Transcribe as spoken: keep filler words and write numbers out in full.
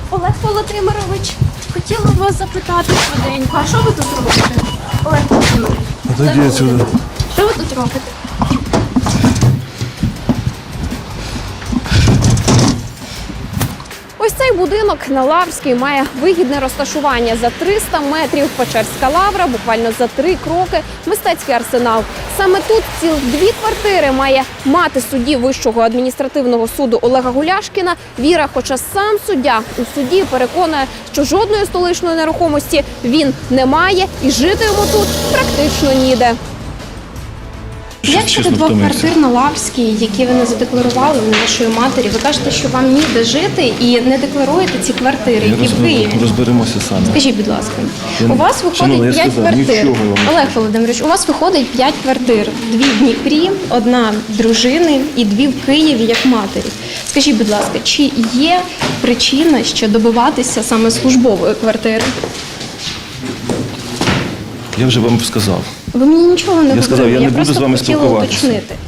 Олег Володимирович, хотіла вас запитати швиденько, а що ви тут робите? Олег Володимирович, Отойди отсюда. що ви тут робите? Ось цей будинок на Лаврській має вигідне розташування. За триста метрів Печерська Лавра, буквально за три кроки мистецький арсенал. Саме тут цілих дві квартири має мати судді Вищого адміністративного суду Олега Гуляшкіна Віра, хоча сам суддя у суді переконує, що жодної столичної нерухомості він не має і жити йому тут практично ніде. Як щодо двох квартир на Лаврській, які ви не задекларували у вашої матері? Ви кажете, що вам ніде жити і не декларуєте ці квартири, які в Києві. Розберемося самі. Скажіть, будь ласка, Я у не- вас виходить Шановна, я п'ять сказав, квартир. нічого я вам не Олег Володимирович, у вас виходить п'ять квартир. Дві в Дніпрі, одна дружини і дві в Києві як матері. Скажіть, будь ласка, чи є причина ще добиватися саме службової квартири? Я вже вам сказав. Ви мені нічого не Я говорили, сказав, я не буду просто з вами хотіла спілкуватися. уточнити.